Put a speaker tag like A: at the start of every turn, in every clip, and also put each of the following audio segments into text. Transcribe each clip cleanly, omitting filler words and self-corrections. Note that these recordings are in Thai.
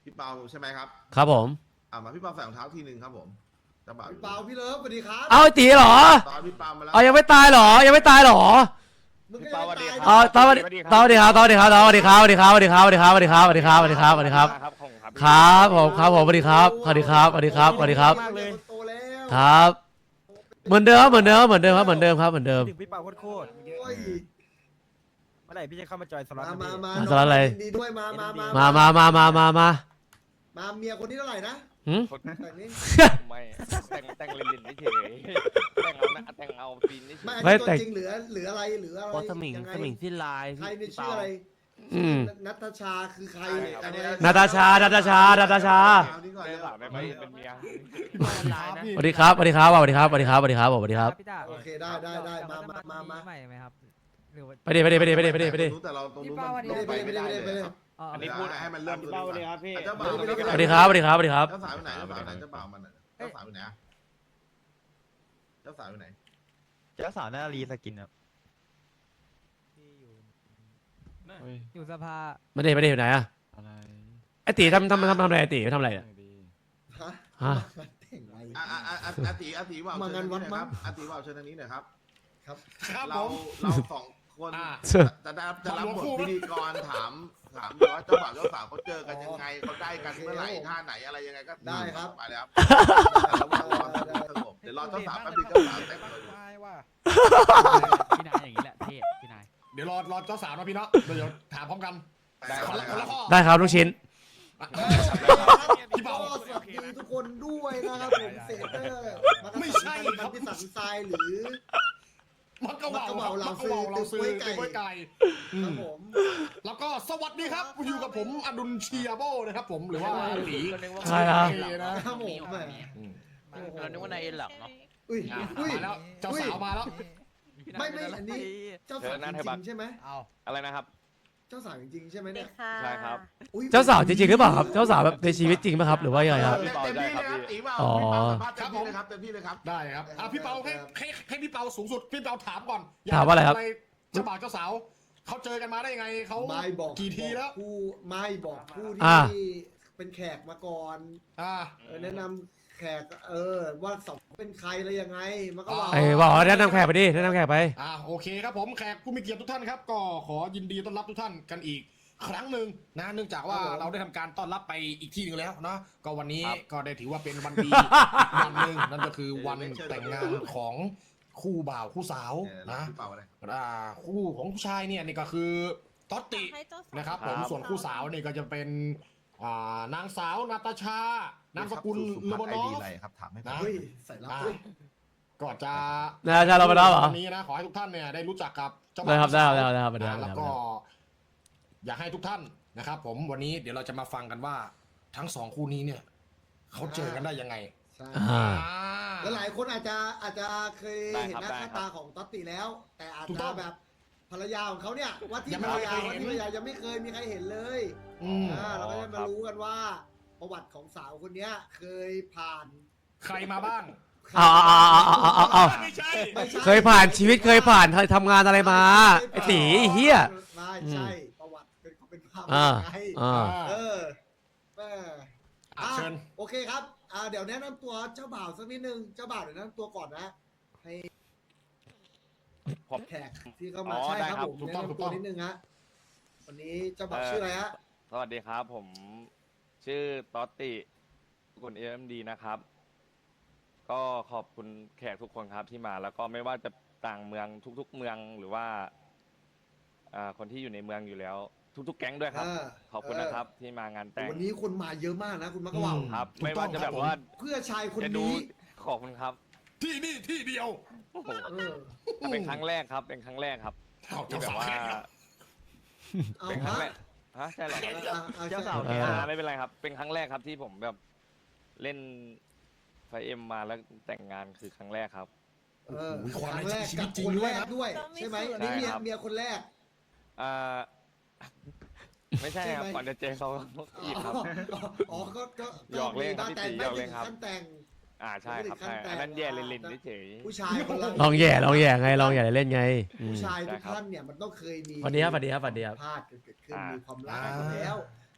A: พี่เปาใช่ไหมครับ
B: ครับผม
A: มาพี่เปาใส่รองเท้าทีนึงครับผมจะบ่าว
C: พี่เปาพี่เลิฟสวัสดีครับ
B: เอาไอ้ตีเหรอ
A: ตอนพี่เปามาแล้ว
B: เอายังไม่ตายเหรอยังไม่ตายเหรอ
C: มึงก็ยังไม่ตาย
B: อ๋อตอนสวัสดีครับสวัสดีครับสวัสดีครับสวัสดีครับสวัสดีครับสวัสดีครับสวัสดีครับสวัสดีครับสวัสดีครับสวัสดีครับครับผมครับผมสวัสดีครับสวัสดีครับสวัสดีครับสวัสดีครับ
C: มากเลยโตแล้ว
B: ครับเหมือนเดิมครับเหมือนเดิมเหมือนเดิมครับเหมือนเดิมครับเหมือนเดิม
D: ถึงพี่เปาโคตร
C: โอ้ย
D: เมื่อไหร่พี่จะเข้ามาจอยสล็อต
C: มา
D: นะ
C: มา
D: พี่
C: มา
B: สล็อตอะไร
C: ยินดีด้วยมา
B: มา
C: เมียคนนี้เท่าไหร่นะ
B: หืม
C: แบบนี้
E: ไม่แต่งเล่นๆเฉยแต่งเอาปีนเฉย
C: ไม่อันนี้ตัวจริงเหลืออะไรเหลืออะไร
F: พอสมิง
C: ยังไง
F: สมิงที่ลาย
C: ใครใน
F: พี่
C: ชื่อ
F: เปา
C: อะไร
B: อืม
C: นัทชาคือใคร
B: นาตาชานาตาชานาตาชา
A: เอานี่ก่อน
E: ได้
A: เลย
E: หลานไม่เป็นเมีย
F: ลายนะ
B: สวัสดีครับสวัสดีครับสวัสดีครับสวัสดีครับสวัสดีครับสวัสดีครับ
G: พี่ตา
C: โอเคได้มา
G: ใหม่ไหมครับหรือว่า
B: ไปดิไปดิไปดิไปดิไปดิไปดิ
A: แต่เราตรงนู้นมัน
C: ไปเลย
G: อ๋อ
A: อันนี้พูดให้มันเริ่ม
E: เบาเลยครับพี่
A: เจ้าบ่าว
B: สวัสดีครับสวัสดีครับสวัสดีครับ
A: เจ้าสาวอยู่ไหนเจ้าสาวไหนเจ้าบ่าวมันเจ้าสาวอยู่ไหนเจ้าสาวอยู่ไหน
D: เจ้าสาวหน้ารีสกินครับ
G: อยู่สภา
B: ไม่ได้อยู่ไหนอะไอตีทำอะไรไอตีทำอะไรเนี่ย
C: ฮะ
B: ฮะ
C: แต่งไร
A: อาตีว่าว
C: มางานวัดมั้ง
A: อาตีว่าวเชิญทางนี้หน่อยครับ
C: ครับ
A: เราสองคนจะรับบทพิธีกรถามว่าเจ้าบ่าวเจ้าสาวเขาเจอกันยังไงเขาได้กันเมื่อไหร่ท่าไหนอะไรยังไงก็ได้ครับไปเลยครับแต่ระหว่างรอสงบเดี๋ยวรอเจ้าสาวแป๊บนึงเจ้าสาวแต่งตัวอยู่
F: พี่นายอย่างนี้แหละเท่พี่นาย
H: เดี๋ยวรอเจ้าสาวนะพี่เนาะเดี๋ยวถามพร้อมกัน
A: ได้
H: คนละข้อ
B: ได้ครับลูกชิ้น
C: พี่เปาสวัสดีทุกคนด้วยนะครับผมเซเตอร์มันที่สันทรายหรือ
H: มักกะเหว่าเราซื้อเป็นกล้วยไก่
C: ครับผม
H: แล้วก็สวัสดีครับอยู่กับผมอดุลเชียโบนะครับผมหรือว่าหลี
B: ใช่ครับ
C: ครับผมแหม
F: เรานึกว่านายเอ็นหลังเนาะ
C: อุ้ย
H: มาแล้วเจ้าสาวมาแล้ว
C: ไม่อันนี้เจ้าสาวจริงใช่ไหม
E: อะไรนะครับ
C: เจ้าสาวจริงใช่ไหมเนี่ย
E: ใช่ครับ
B: เจ้าสาวจริงๆหรือเปล่าครับเจ้าสาวแบบในชีวิตจริงไหมครับหรือว่ายังไงครับ
A: เต็มที่เลยครับตีว่าว
B: อ๋อ
A: เต็มที่เลยครับเต็มที่เลยครับ
H: ได้ครับพี่เปาให้พี่เปาสูงสุดพี่เปาถามก่อน
B: ถามว่าอะไรครับ
H: เจ้าบ่าวเจ้าสาวเขาเจอกันมาได้ยังไงเขา
C: ไม่บอก
H: กี่ทีแล้ว
C: ผู้ไม่บอกผู้
B: อ่า
C: ที่เป็นแขกมาก่อน แนะนำแขกว่าสองเป็นใครอะไรยังไงมันก็ว่า
B: ไอ้บอกแนะนำแขกไปดิแนะนำแขกไป
H: โอเคครับผมแขกผู้มีเกียรติทุกท่านครับก็ขอยินดีต้อนรับทุกท่านกันอีกครั้งหนึ่งนะเนื่องจากว่าเราได้ทำการต้อนรับไปอีกที่หนึงแล้วนะก็วันนี้ก็ได้ถือว่าเป็นวันดีวันหนึ่งนั่นก็คือวันแต่งงานของคู่บ่าวคู่สาวนะ
A: พี่เปาอะไร
H: คู่ของผู้ชายเนี่ยนี่ก็คือต๊อตตินะครับผมส่วนคู่สาวนี่ก็จะเป็นนางสาวนาตาชานามสกุลเลบานอฟ
A: อะไรครับถามให้
H: นะ
C: เฮ้ยใส่รับด้วย
H: ก็จะ
B: นาตาชาเลบานอฟเหรอ
H: วันนี้นะขอให้ทุกท่านเนี่ยได้รู้จักกับเจ้า
B: ได้
H: บ่าว
B: ครับได้
H: เจ้า
B: ครับ
H: สาว
B: ได้ครับได้ครับ
H: แล้วก็อยากให้ทุกท่านนะครับผมวันนี้เดี๋ยวเราจะมาฟังกันว่าทั้งสองคู่นี้เนี่ยเขาเจอกันได้ยังไง
C: ใช่
B: อ่า
C: แล้วหลายคนอาจจะเคยเห็นหน้าตาของต๊อตติแล้ว แต่อาจจะแบบภรรยาของเขาเนี่ยว่าที่ภรรยายังไม่เคยมีใครเห็นเลย เราก็จะมารู้กันว่าประวัติของสาวคนนี้เคยผ่าน
H: ใครมาบ้าง
B: เอา
H: ไม่ใช่
B: เคยผ่านชีวิตเคยผ่านเคยทำงานอะไรมาไอ้ตีไอ้เฮีย
C: ไม่ใช่ประวัติเป็นภาพ
B: อ่า
C: ไง
B: อ่า
C: แม่
H: เชิญ
C: โอเคครับเดี๋ยวแนะนำตัวเจ้าบ่าวสักนิดนึงเจ้าบ่าวเดี๋ยวแนะนำตัวก่อนนะให้แขกที่เข้ามาใช่ครับผมแนะนำตัวนิดนึงฮะวันนี้เจ้าบ่าวชื่ออะไรฮะ
E: สวัสดีครับผมชื่อต๊อตติกุลเอ็มดีนะครับ ก็ขอบคุณแขกทุกคนครับที่มาแล้วก็ไม่ว่าจะต่างเมืองทุกๆเมืองหรือว่าคนที่อยู่ในเมืองอยู่แล้ว ทุกๆแก๊งด้วยครับ ขอบคุณนะครับที่มางานแต่ง
C: วันนี้คนมาเยอะมากนะคุณมักกะว่าว
E: ครับ ไม่ว่าจะแบบว่า
C: เพื่อชายคน
E: จะดู
C: นี้
E: ขอบคุณครับ
H: ที่นี่ที่เดียว
E: โอ้โห
C: เออ
E: เป็นครั้งแรกครับ เป็นครั้งแรกครับ
H: เอา
E: ที่
H: เจ้า
E: แบบ
H: สาว
E: ว่า
H: แขกครับ
C: เอา
E: เป็นครั้ง
C: ฮะ
E: แรกฮะใช่เหรอ
C: เจ้าสาว
E: ไม่เป็นไรครับ เป็นครั้งแรกครับที่ผมแบบเล่นไฟเอ็มมาแล้วแต่งงานคือครั้งแรกครับ
C: ครั้งแรกกับคนแรกด้วยใช่ไหมนี่เมียคนแรก
E: อ่า ไม่ใช่ครับ ก่อนจะเจอเขาอีกครับ
C: อ๋อก็
E: หยอกเล่นครับพี่ตีหยอกเล่นครับ
C: ขั้นแต่ง
E: ใช่ครับใช่อันนั้นแย่เล่นๆเฉย
C: ผู้ชายคนละ
B: ลองแย่ไงลองแย่เล่นไง
C: ผู้ชายทุกท่านเนี่ยมันต้องเคยมี
B: สวัสดีครับสวัสดีครับสวัสดีครับ
C: พลาดเกิดขึ้นมีความรักมาแล้ว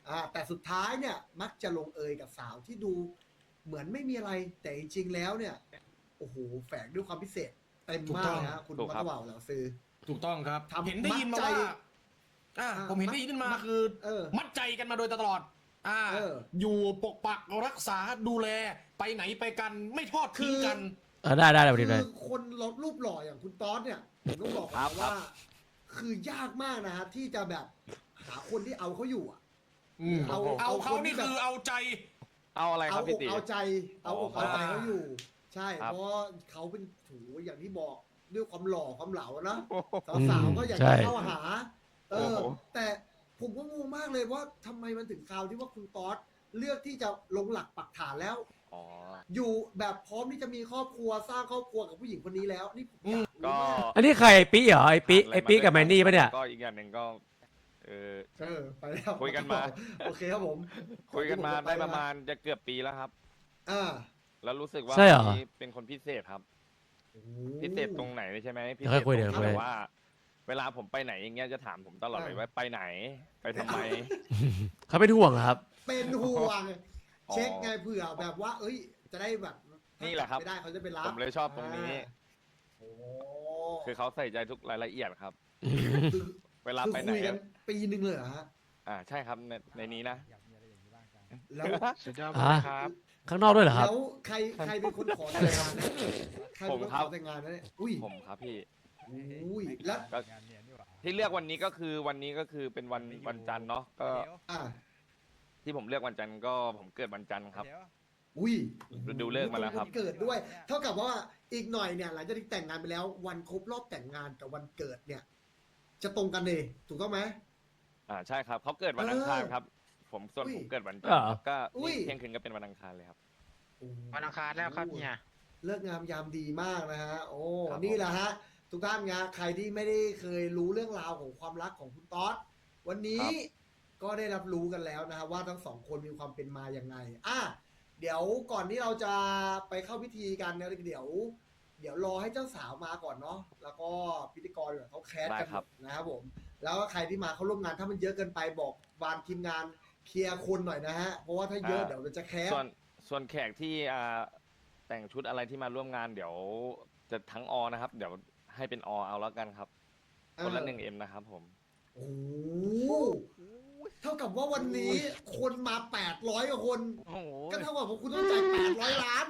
C: แต่สุดท้ายเนี่ยมักจะลงเอยกับสาวที่ดูเหมือนไม่มีอะไรแต่จริงๆแล้วเนี่ยโอ้โหแฝงด้วยความพิเศษเต็มมากนะคุณ
E: ถูก
C: มั
E: ครั
C: ต
E: บ
C: ว่าวเหล่าซื้อ
H: ถูกต้องครับ
C: ทำ
H: เห็นได้ยินมา
C: มัดใจ
H: ว่าผมเห็นได้ยินมาคือ มัดใจกันมาโดยตลอดอยู่ปกปักรักษาดูแลไปไหนไปกันไม่ทอดทิ้งกัน
B: ได้ได้ได้
C: คื
B: ได้
C: อคนรูปหล่ออย่างคุณต๊อดเนี่ยผมต้องบอกก่อนว่า คือยากมากนะฮะที่จะแบบหาคนที่เอาเขาอยู่อ่ะ
H: เอาเขานี่คือเอาใจ
E: เอาอะไรครับพี่ตี
C: เอาใจเอาอกเอาใจเขาอยู่ ใช่
E: ครับ
C: เพราะเขาเป็นถูอย่างที่บอกด้วยความหล่อความเหลานะสาวๆก็อยาก
B: ใช่
C: จะเข้าหา
E: โอ้โห
C: แต่ผมก็งงมากเลยว่าทำไมมันถึงคราวที่ว่าคุณต๊อดเลือกที่จะลงหลักปักฐานแล้ว
E: อ๋อ
C: อยู่แบบพร้อมที่จะมีครอบครัวสร้างครอบครัวกับผู้หญิงคนนี้แล้วนี่ผมอยาก
E: ก็
C: รู้มาก
B: อันนี้ใครไอ้ปีเหรอไอ้ปีกับแมนนี่ปะเนี่ย
E: ก็อีกอย่างหนึ่งก็เออ
C: ไปแล้ว
E: คุยกันมา
C: โอเคครับผม
E: คุยกันมาได้ประมาณจะเกือบปีแล้วครับ
C: อ่า
E: แล้วรู้สึกว่า
B: ใช่เหรอ
E: คนนี้เป็นคนพิเศษครับ
C: โอ้
E: พิเศษตรงไหนใช่ไหมพิ
B: เดี๋
E: เศ
B: ยวค่อยคุย
E: ษต
B: เดี๋
E: ร
B: ยว
E: ง
B: ค่อย
E: ที่แบบว่า เวลาผมไปไหนอย่างเงี้ยจะถามผมตลอดเลยว่าไปไหน ไปทำไม
B: เขาเป็นห่วงเหรอครับ
C: เป็นห่วง
E: อ๋อ
C: เช็คไงเผื่อแบบว่า เอ้ย จะได้แบบ
E: นี่แหละครับ
C: ไม่ได้เขาจะไปรับ
E: ผมเลยชอบตรงนี้
C: โอ้
E: คือเขาใส่ใจทุกรายละเอียดครับ
C: คือ
E: เวลา
C: คือ
E: ไปไหน
C: คุยกันปีหนึ่งเลยเหรอฮะ
E: ใช่ครับในนี้นะ
C: แล้ว
F: สุดยอด
B: อ่ะ
F: ครับ
B: ข้างนอกด้วยเหรอครับ
C: แล้วใครเป็นคนขอแต่งงานนะใครเป็นคนขอแต่งงานนะเนี่ยอุ้ย
E: ผมครับพี่
C: อุ้ยแล้ว
E: ก็ที่เลือกวันนี้ก็คือเป็นวันจันทร์เนาะก็
C: อ่ะ
E: ที่ผมเลือกวันจันทร์ก็ผมเกิดวันจันทร์ครับ
C: อุ้ย
E: ดูเลิกมาแล้วครับ
C: นเกิดด้วย เท่ากับว่าอีกหน่อยเนี่ยหลังจากที่แต่งงานไปแล้ว วันครบรอบแต่งงานกับวันเกิดเนี่ย จะตรงกันเลยถูกต้องไหม
E: ใช่ครับเขาเกิดวันอังคารครับ ผมส่วน
C: อุ้ย
E: ผมเกิดวันจันท
B: เหร
E: ร์
B: อ
E: ครับก็
C: อุ้ย
E: เที่ยงคืนก็เป็นวันอังคารเลยครับ
F: วันอังคารแล้วครับเนี่ย
C: เลิกงามยามดีมากนะฮะ โอ้
E: ครับ
C: นี่แหละฮะ ทุกท่านงะใครที่ไม่ได้เคยรู้เรื่องราวของความรักของคุณต๊อดวันนี้ก็ได้รับรู้กันแล้วนะฮะว่าทั้งสองคนมีความเป็นมาอย่างไงเดี๋ยวก่อนที่เราจะไปเข้าพิธีกันเนี่ยเดี๋ยวรอให้เจ้าสาวมาก่อนเนาะแล้วก็พิธีกรเดี๋ยวเขาแคสกันหมดนะครับผม แล้วก็ใครที่มาเขาร่วมงานถ้ามันเยอะเกินไปบอกวานทีมงานเคลียร์คนหน่อยนะฮะเพราะว่าถ้าเยอะเดี๋ยวเราจะแคส
E: ส่วนแขกที่แต่งชุดอะไรที่มาร่วมงานเดี๋ยวจะทั้งอนะครับ เดี๋ยวให้เป็นอเอาแล้วกันครับคนละ1Mนะครับผม
C: โอ้โหเท่ากับว่าวันนี้คนมา800กว่าคน
F: โอ้โห
C: ก็เท่ากับว่าคุณต้องจ่าย800 ล้าน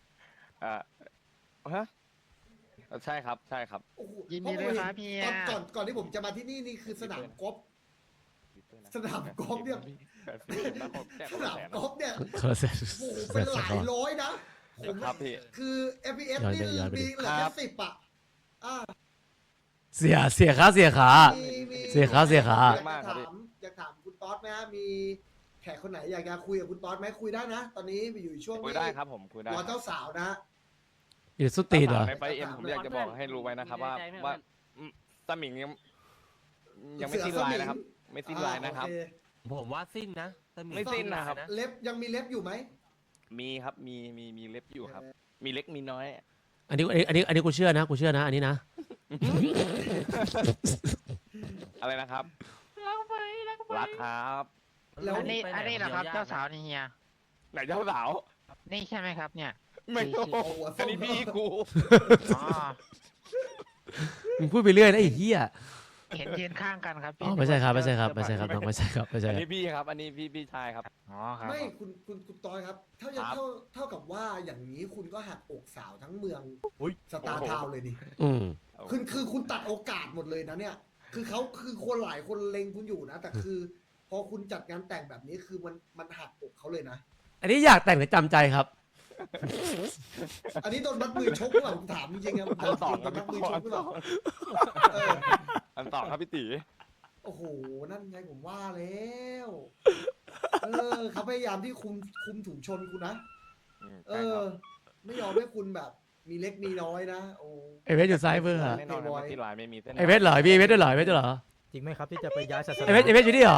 E: ฮะใช่ครับใช่ครับ
C: โอ้โห
F: ยินดีด้วยครับเฮีย
C: ก่อนที่ผมจะมาที่นี่นี่คือสนามกอล์ฟ สนามกอล์ฟเนี่ย สนามกอล์ฟเนี่ย
B: คนละเซต
C: โอ้โหเป็นหลายร้อยนะผม
E: ครับพี่
C: คือ FPS
B: ย้อน
C: นี่
B: ไปย้อนไป
C: มีเหลือ
E: ครั
C: แค่
E: บ
C: 10อ่ะ
B: เสียขา
C: มี
B: เสียขาเสียขา
C: อยากถามคุณต๊อดไหมฮะมีแขกคนไหนอยากจะคุยกับคุณต๊อดไหมคุยได้นะ ตอนนี้อยู่ช่วง
E: คุย
C: ที่
E: ได้ครับผมคุยได้
C: รอเจ้าสาวนะ
B: อยู่สุดตีนเหรอ
E: ในไฟเอ็มผมอยากจะบอกให้รู้ไว้นะครับว่าสมิงยังไม่สิ้นลายนะครับ ไม่สิ้นลายนะครับ
C: โอเ
D: ผมว่าสิ้นนะแต่
E: ไม่สิ้นนะครับ
C: เล็บยังมีเล็บอยู่ไหม
E: มีครับมีเล็บอยู่ครับ มีเล็กมีน้อย
B: อันนี้กูเชื่อนะกูเชื่อนะอันนี้นะ
E: อะไรนะครับรักครับ
C: แล้ว
F: อันนี้เหรอครับเจ้าสาวนี่เฮีย
E: ไหนเจ้าสาว
F: นี่ใช่ไหมครับเนี่ย
E: ไม่รู้
C: โอ้โห
E: อันนี้พี่กู
F: อ๋อ
B: มึงพูดไปเรื่อยนะไอ้เหี้ย
F: เห็นยืนข้างกันครับ
B: อ๋อไม่ใช่ครับไม่ใช่ครับไม่ใช่ครับน้องไม่ใช่ครับไม่ใช่
E: อัน
B: ครับ
E: นี้พี่ครับ อันนี้พี่ชายครับ
F: อ๋อครับ
C: ไม่คุณต้อยครับ เท่า
E: ครับ
C: เท่ากับว่าอย่างนี้คุณก็หักอกสาวทั้งเมืองสตาร์
E: โอ้โห
C: ทาวน์เลยนี่
B: อืม
C: คือคุณตัดโอกาสหมดเลยนะเนี่ย คือเขาคือคนหลายคนเล็งคุณอยู่นะ แต่คือ พอคุณจัดงานแต่งแบบนี้คือมันหักอกเขาเลยนะ
B: อันนี้อยากแต่งหรือจำใจครับ
C: อันนี้โดนมัดมือชกหรือเปล่าผมถามจริงๆครับ
E: อันสอง
C: โด
E: ครับ
C: นมั
E: พี่
C: ดมือ
E: ปอ
C: ช
E: อั
C: ก
E: น
C: หรือ
E: ส
C: เป
E: อ
C: ล่าง เออ
E: อันสองครับพี่ตี
C: โอ้โห นั่นไงผมว่าแล้วเขาพยายามที่คุมถุงชนคุณนะ เอ
E: ใช่ค
C: อ
E: รับ
C: ไม่ยอมให้คุณแบบ มีเล็กมีน้อยนะ โอ้
B: ไอเวทอยู่ซ้ายมือเหรอ
E: แน่นอนครับไม่สิ้นลายไม่มีเส้น
B: ไอเวทเหรอพี่ไอเวทด้วยเหรอไอเวทด้วยเหรอ
D: จริงไหมครับที่จะไปย้ายศาสนา
B: ไอเวทอยู่นี่เหรอ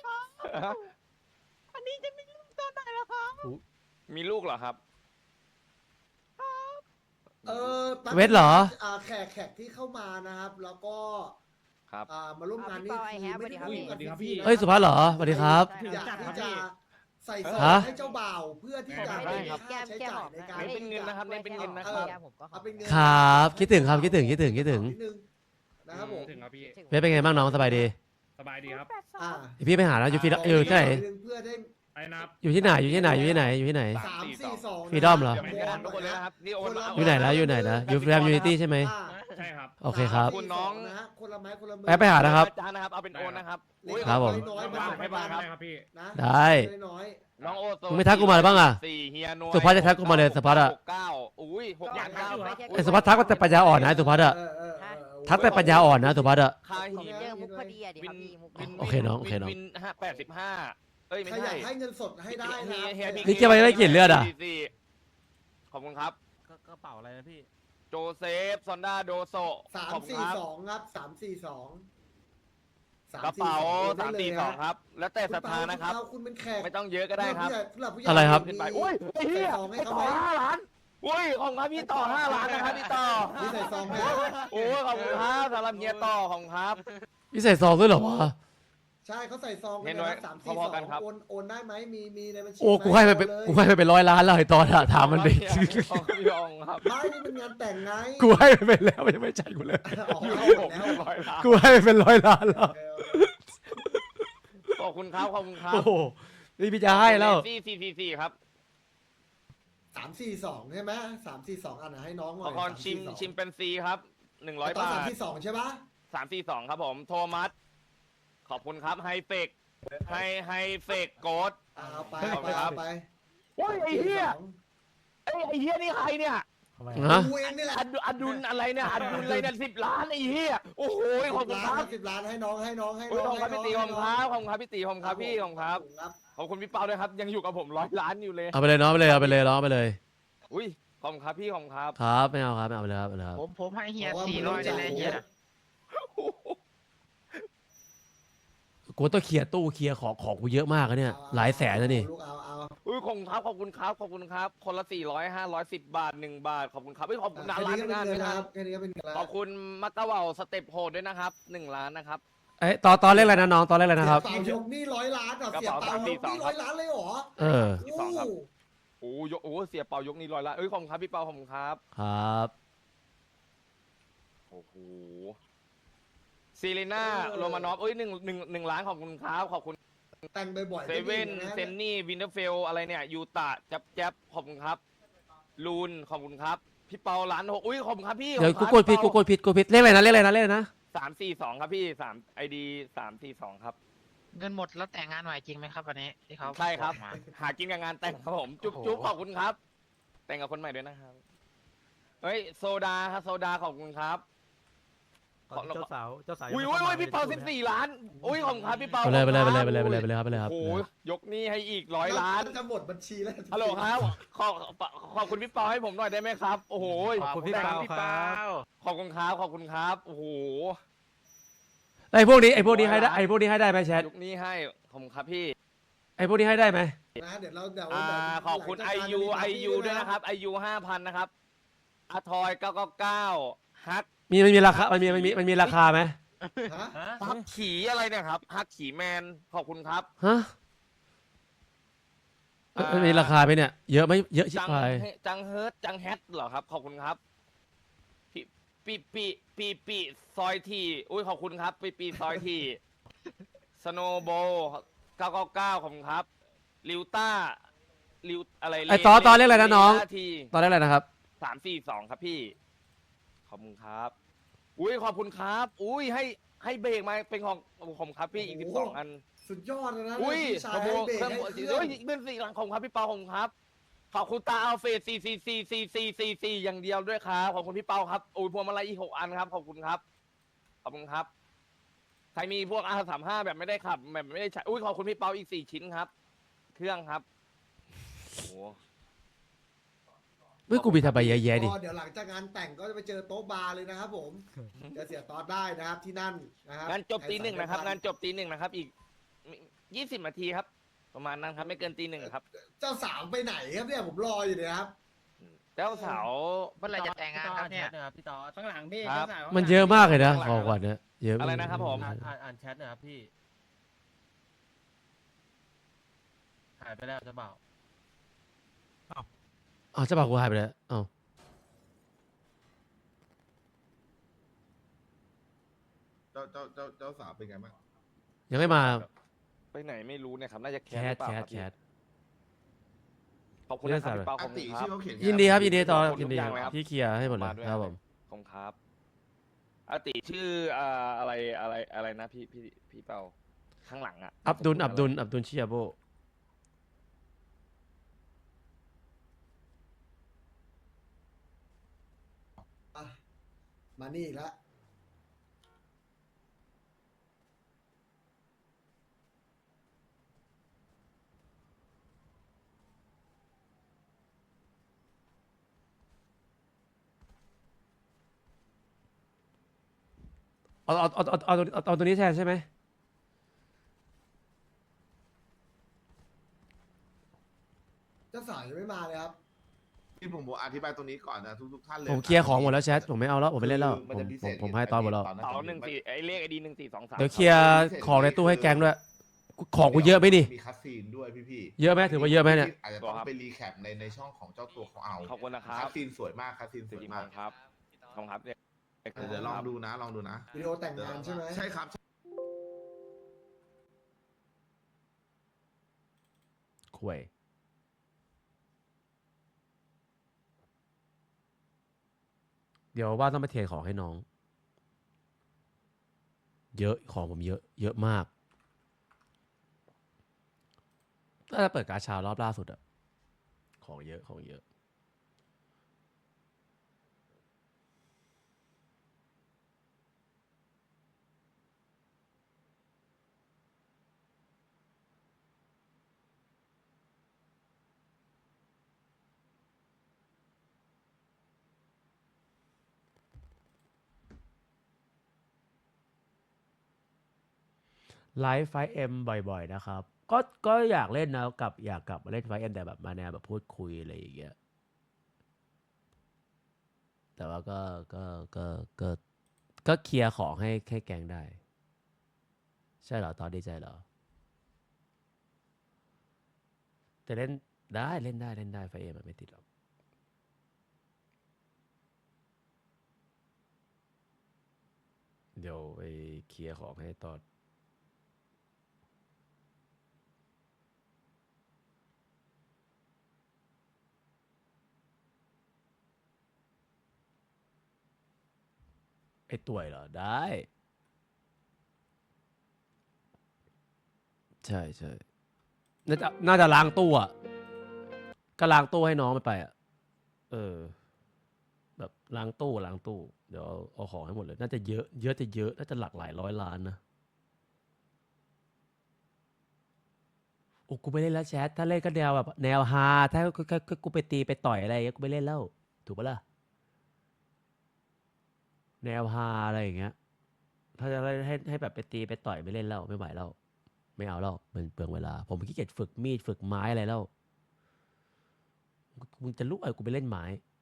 E: มีลูกเหรอครับ
C: แป๊บ
B: เวทเหรอ
C: แขกที่เข้ามานะครับ แล้วก็
E: คครับ
C: มาร่วมงานนี้
G: พี่ปอไอ้แฮป
C: ไม่ได้
G: สวัสดีครับพี่
C: ฟรีๆนะ
B: เฮ้ยสุภัสเหรอสวัสดีครับ
C: อยากที่จะใส่ซอ
B: ฮะ
C: งให้เจ้าบ่าวเพื่อที่จะ
E: ได้
C: ไม่
E: ครั
C: มี
E: บ
C: ค่าใช้จ่ายในการ
E: เน้นเป็นเงินนะครับเน้นเป็นเงินนะครับ
C: เอาเป็นเงิน
B: ครับคิดถึงครับคิดถึง
C: นิดนึงนะครับผม
I: ถึงครับพี่
B: เว็บเป็นไงบ้างน้องสบายดี
I: สบายดีครับ
C: อ่า
B: เดี๋ยวพี่ไปหาแล้วอยู่ที่ไหน
C: เพื่อได้
I: ไอ้นับ
B: อยู่ที่ไหนอยู่ที่ไหนอยู่ที่ไหนอยู่ที่ไหน
C: 3-4-2
B: Freedom เหรอ
E: เดี๋ยวไม่ได้ทุกคนเลยนะครับนี่โอนมา
B: อยู่ไหนนะอยู่ไหนนะอยู่แรมยูนิตี้ใช่ไหม
I: ใช่ครับ
B: โอเคครับ
E: คุณน้อง
C: นะฮะคนละไม้คนละมื
B: ไปหานะครับ
E: อาจารย์นะครับเอาเป็นโอนนะครับอุ้ย
B: ครับผม
C: น้อยๆ
I: มา
C: มา
I: ให้บ้านได้ครับพี่
C: นะ
B: ได้
C: น้อย
E: น้องโอโซ
B: มึงไม่ทักกูมาบ้างอะ
E: สี่เฮียโน
B: สุภัสจะทักกูมาเลยสุภัสอะ
E: 69อุ้ย6,900
B: ไอ้สุภัสทักว่าแต่ปัญญาอ่อนนะไอ้สุภัสอะ ทักแต่ปัญญาอ่อนนะสุภัสอะ
E: คาหิน
G: เจอมุกพอดีอ่ะดิ
E: วิ
G: ครับ
E: น
G: พี่มุก
E: วิน
B: โอเคน้องโอเคน้อง
E: วิน85เอ้ยไม่
C: ใครอ
E: ใช่
C: ยากให้เงินสดให้ได้นะ
E: เฮียบิ๊
B: นี่เกี่ยวอะไรได้กลิ่นเลือดอะ
E: ขอบคุณครับ
D: กระเป๋าอะไรนะพี่
E: โจเซฟซอนด้าโดโซ
C: สาม
E: ขอบคุณ
C: สี่
E: ครับ
C: สองครับ342
E: กระเป๋า
C: ได้เลยฮะ
E: 342ครับ แล้วแต่ศรัทธานะครับ
C: คุณเป็นแขก
E: ไม่ต้องเยอะก็ได้ครับ
C: ผู้ใหญ่ผู้ใหญ่
B: อะไรครับ
E: ขึ้นไปอุ้ยไอ้เหี้ย
C: ใส่ซองให้
E: ไอ้
C: เขา
E: ต่อ
C: ไหม
E: 5 ล้านอุ้ยของครับพี่ต่อ5 ล้านนะครับพี่ต่อ
C: นี่ใส่ซองไหม
E: โอ้ยขอบคุณครับสำหรับเฮียต่อของครับ
B: พี่ใส่ซองด้วยเหรอวะ
C: ใช่เขาใส่ซอง
E: เห็นไว้
C: สาม
E: พ
C: สี่ส
E: อ
C: อง
E: ๆกันครับ
C: โอนได้ไหมมีในบัญชี
B: โอ้กูให้ไปเป็นกูให้ไปเป็น100 ล้านแล้วไอ้ตอนอะถามมันดิ
E: ของพี่องครับ
C: ไม่นี่เป็นงานแต่งไง
B: กูให้ไปเป็นแล้วยังไม่จ่ายกูเลย
C: ออก
E: อยู่
C: เข้า
E: ที่
C: หม
E: ผม
C: ดแล้ว
E: 100 ล้าน
B: กูให้ไปเป็น100 ล้านแล้ว
E: ขอบคุณครับขอบคุณครับ
B: โอ้โหนี่พี่จะให้แล้ว
E: 444ครับ
C: 342ใช่ไหม342อันนะให้น้องหน่
E: ข
C: อ
E: อย คอนชิมเป็นซีครับ100
C: ตอน
E: บาท
C: 342ใช่ปะ
E: 342ครับผมโทมัสขอบคุณครับไฮเฟกไฮเฟกโกด
C: เอาไป
E: ขอบคุณ
C: ไป
E: ครับ
C: เอาไป
E: โอ้ยไอ้เหี้ยไอ้เหี้ยนี่ใครเนี่ย
B: ฮะ
C: กูเองนี่แหละ
E: อดุลอะไรเนี่ยอดุลอะไรเนี่ย10 ล้านไอ้เหี้ยโอ้โหขอบคุณครับ
C: 10 ล้านให้น้องให้น้องให้
E: โอ้ย
C: น้
E: ข
C: อ
E: อง บคุณครับพี่ตีขอบคุณครับขอบคุณครับพี่ตีขอบคุณครับพี่ขอบคุณครับ
C: ครับ
E: ขอบคุณพี่เปาด้วยครับยังอยู่กับผม100 ล้านอยู่เลย
B: เอาไปเลยน้องไปเลยเอาไปเลยน้องไปเลย
E: อุ้ยขอบคุณครับพี่ขอบคุณครับ
B: ครับไม่เอาครับไม่เอาไปเลยครับไปเลยครับ
F: ผมให้เฮีย
C: บอกว่า
F: 400ได้เลยเฮีย
B: กูต้องเคลียร์ตู้เคลียร์ของกูเยอะมากอะเนี่ยหลายแสนนะนี่
C: ลูกเอา
E: อุ้ยขอบคุณครับขอบคุณครับขอบคุณครับคนละ400 500 10 บาท1 บาทขอบคุณครับขอบคุณ
C: แค่
E: ร้าน
C: นี้ก็เป็น
E: งาน
C: เงิ
E: ด้วย
C: น
E: นะ
C: นะครับแค่นี้ก็เป็นเงินแล้ว
E: ขอบคุณมักกะเหว่าสเต็ปโหดด้วยนะครับ1 ล้านนะครับ
B: เอ้ยตอนเลขอะไรนะน้องตอนเลขอะไรนะครับ
C: เสียเปายกนี่100 ล้านอ่ะเสียเปายกนี่100 ล้านเลยเหรอ
B: เออ
E: ที่สองครับ โอ้ยกโอ้เสียเปายกนี่100 ล้านเอ้ยขอบคุณครับพี่เปาขอบคุณครับ
B: ครับ
E: โอ้โหซีเรน่าโรมานอฟเอ้ย1 ล้านขอบคุณครับขอบคุณ
C: แต่งบ่อยๆ
E: เซเว่นเซนนี่วินเทอร์เฟลอะไรเนี่ยยูตะแจ๊บขอบคุณครับลูนขอบคุณครับพี่เปาล้าน6อุ้ยขอบคุณครับพี่
B: เดี๋ยวกูกดผิดเลขอะไรนะเลขอะไรนะเลขอะไรนะ
E: 342ครับพี่3 ID 342ครับ
F: เงินหมดแล้วแต่งงานใหม่จริงไหมครับวันนี้ที่เขา
E: ใช่ครับ
F: อกมา
E: หากินกับงานแต่งครับผมจุ๊บจุ๊บขอบคุณครับ แต่งกับคนใหม่ด้วยนะครับเฮ้ยโซดาครับโซดาขอบคุณครับ
D: เจ้าสาว
E: อุ้ย
D: งไม่ข้
E: พี่เปา
D: ลย
E: 14 ล้านอุ้ยขอบคุณครับพี่เปา
B: ไปเลยไปเลยไปเลยไปเลยไปเลยไปเลยครับไปเลยครับ
E: โอ้โหยกหนี้ให้อีก100 ล้าน
C: จะหมดบัญชีแล้ว
E: ฮัลโหลครับขอบคุณพี่เปาให้ผมหน่อยได้ไหมครับ โอ้โห
D: ขอบคุณพี่เปาครับ
E: ขอบคุณครับขอบคุณครับโอ้โห
B: ไอ้พวกนี้ให้ได้ไอ้พวกนี้ให้ได้ไหมแชท
E: ยกหนี้ให้ขอบคุณครับพี่
B: ไอ้พวกนี้ให้ได้ไหม
C: นะเดี๋ยวเรา
E: ขอบคุณIU ด้วยนะครับ IU 5,000นะครับอาทอย999ฮัก
B: มีราคามันมีราคาไหม
C: ฮะ
E: ฮักขี่อะไรเนี่ยครับฮักขี่แมนขอบคุณครับ
B: ฮะมันมีราคาไหมเนี่ยเยอะไหมเยอะชิบหาย
E: จังเฮิร์ตจังแฮทเหรอครับขอบคุณครับปีซอยทีอุ้ยขอบคุณครับปีซอยทีสโนโบ999ขอบคุณครับลิวต้าลิวอะไร
B: ไอ้ตอนเลขอะไรนะน้อง
E: ที
B: ตอนเลขอะไรนะครับ
E: 342ครับพี่ขอบคุณครับอุ้ยขอบคุณครับอุ้ยให้เบรกมาเป็นของผมครับพี่อีก12 อัน
C: สุดยอดเลยนะ
E: อุ้ย
C: พี่ชา
E: ข
C: ย
E: โม
C: ให้
E: ย
C: เบรก
E: เครื่อง
C: ให้
E: มือ
C: เครื่
E: เฮ้
C: อง
E: ยเป็น4 หลังของครับพี่เปาของครับขอบคุณตาอัลเฟส4อย่างเดียวด้วยครับขอบคุณพี่เปาครับอุ้ยพวงมาลัยอีก6 อันครับขอบคุณครับขอบคุณครับใครมีพวกR35แบบไม่ได้ขับแบบไม่ได้ใช้อุ้ยขอบคุณพี่เปาอีก4 ชิ้นครับ เครื่องครับโอ้โห
B: เมื่อกูมีทำไปแย่ๆดิ
C: ก็เดี๋ยวหลังจากงานแต่งก็จะไปเจอโต๊ะบาร์เลยนะครับผมจะเสียตอนได้นะครับที่นั่นนะครับ
E: งานจบตี 1นะครับงานจบตี 1นะครับอีก20 นาทีครับ ประมาณนั้นครับไม่เกินตี 1ครับ
C: เจ้าสาวไปไหนครับเนี่ยผมรออยู่เนี่ยครับ
E: เจ้าสาว
F: เมื่อไหรจะแต่งงานครับเนี่ย
D: พี่ต่อ
I: ข้างหลังพี่
E: ครับ
I: เจ้าสาว
B: มันเยอะมากเลยนะของขวัญเนี่ยเยอะ
E: อะไรนะครับผม
D: อ่านแชทหนะครับพี่หายไปแล้วจะเปล่า
B: อ๋อเจ้าบ่าวกูหายไปแล้วอ้าว
A: เจ้าสาวเป็นไงบ้าง
B: ยังไม่มา
E: ไปไหนไม่รู้เนี่ยครับน่าจะแค
B: แค
E: สห
B: ท
E: รือเปล่า
B: แค
E: ค
B: ท
E: รับ
B: แค
E: พี่
B: ท
E: ขอบคุณนะครับพี่เปาข
A: อา
E: อบคุ
A: ติ
E: ณครั
A: ชื่
E: บ
A: อเขาเขียนไง
B: ยินดีครับยินดีต่อ
E: ขอบคุณ
B: ยินดี
E: ทุกอย่างเลยครับ
B: พี่เคลียร์ให้หมดเลย
E: มาด้วย
B: ครับผม
E: ขอบคุณครับอาติชื่ออะไรนะพี่เปาข้างหลังอ่ะ
B: อับดุลชิยาโบ
C: อ่ะมานี่อีกแล้ว
B: เอาตัวนี้แทนใช่ไหม
C: เจ้าสาวยังไม่มาเลยครับ
A: ที่ผมบอกอธิบายตรงนี้ก่อนนะทุกท่านเลย
B: ผมเคลียร์ของหมดแล้วแชทผมไม่เอาแล้วผมไม่เล่นแล้ว
A: มันจะพิเศษ
B: ผมให้ตอนหมดแล้ว
A: ตอนนั้น
E: เสา14ไอ้เลขไอดี1423
B: เดี๋ยวเคลียร์ของในตู้ให้แก๊งด้วยของกูเยอะไหมนี่
A: มีคัสซีนด้วยพี่
B: เยอะไหมถือว่าเยอะไหมเนี่ย
A: อาจจะต้องไปรีแคปในช่องของเจ้าตัวเขาเอา
E: ขอบคุณนะครับ
A: คัสซีนสวยมากคัสซีนสวย
E: จริง
A: มาก
E: ๆครับขอบคุณครับเนี่ย
A: เดี๋ยวลองดูนะลองดูนะ
C: วิดีโอแต่งงานใช่ไหม
A: ใช่ครับ
B: คุยเดี๋ยวว่าต้องไปเทรดของให้น้อง เยอะของผมเยอะมากถ้าจะเปิดกาชารอบล่าสุดอะของเยอะไลฟ์ไฟเอ็มบ่อยๆนะครับก็อยากเล่นนะอยากกลับมาเล่นไฟเอ็มแต่แบบมาแนวแบบพูดคุยอะไรอย่างเงี้ยแต่ว่าก็เคลียร์ของให้แกงได้ ใช่เหรอตอนดีใจเหรอแต่เล่นได้ไฟเอ็มไม่ติดหรอกเดี๋ยวไปเคลียร์ของให้ตอนไอ้ต่วยเหรอได้ ใช่น่าจะล้างตู้อ่ะก็ล้างตู้ให้น้องมันไปอ่ะแบบล้างตู้เดี๋ยวเอาของให้หมดเลยน่าจะเยอะน่าจะหลักหลายร้อยล้านนะโอ้กูไม่เล่นแล้วแชทถ้าเล่นก็แนวแบบแนวฮาถ้ากูไปตีไปต่อยอะไรอย่างเงี้ยกูไม่เล่นแล้วถูกปะล่ะแนวฮาอะไรอย่างเงี้ยถ้าจะให้แบบไปตีไปต่อยไม่เล่นแล้วไม่ไหวแล้วไม่เอาแล้วมันเปลืองเวลาผมขี้เกียจฝึกมีดฝึกไม้อะไรแล้วมึงจะลุกกูไปเล่นไม้